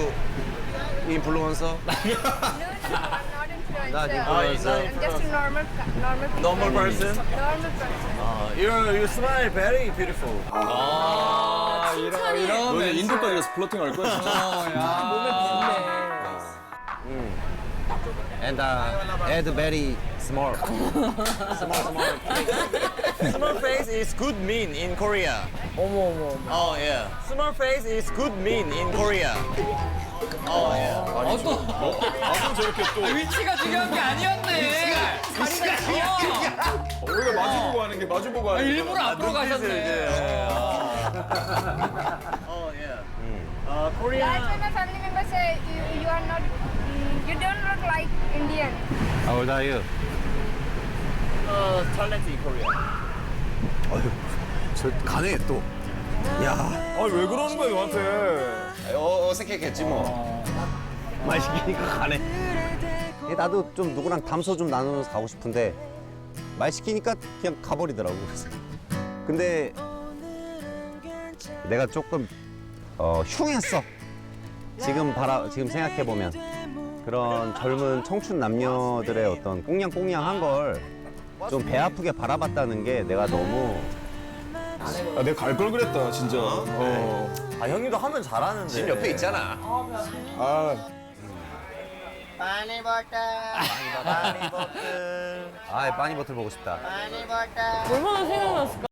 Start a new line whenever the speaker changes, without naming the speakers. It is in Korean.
influencer?
No, not influencer.
Not influencer.
I'm just a normal
person?
Normal person.
You smile very beautiful.
아, 이런
너는 인도까지 가서 플러팅 할 거야, 진짜.
몸에 붙네.
And head very small.
Small face is good mean in Korea.
어머.
Oh yeah. Small face is good mean in Korea. Oh yeah.
나도 저렇게 또
위치가 중요한 게 아니었네.
원래 마주보고 하는 게 마주보고 하는 게
일부러 앞으로 가셨네.
Oh yeah.
That's
Korea.
why my family members say you are not, you don't look like Indian.
How old are you?
Talent in Korea.
저 가네 또. 야.
아니 왜 그러는 거야 너한테?
어색했겠지 뭐. 말 시키니까 가네. 나도 좀 누구랑 담소 좀 나누면서 가고 싶은데 말 시키니까 그냥 가버리더라고. 그래서. 근데 내가 조금 흉했어. 지금 생각해 보면 그런 젊은 청춘 남녀들의 어떤 꽁냥꽁냥한 걸 좀 배 아프게 바라봤다는 게 내가 너무
아, 내가 갈 걸 그랬다 진짜.
아 형님도 하면 잘하는데.
집 옆에 있잖아.
아
파니 버터.
아, 빠니버틀 보고 싶다.
얼마나 생각났을까?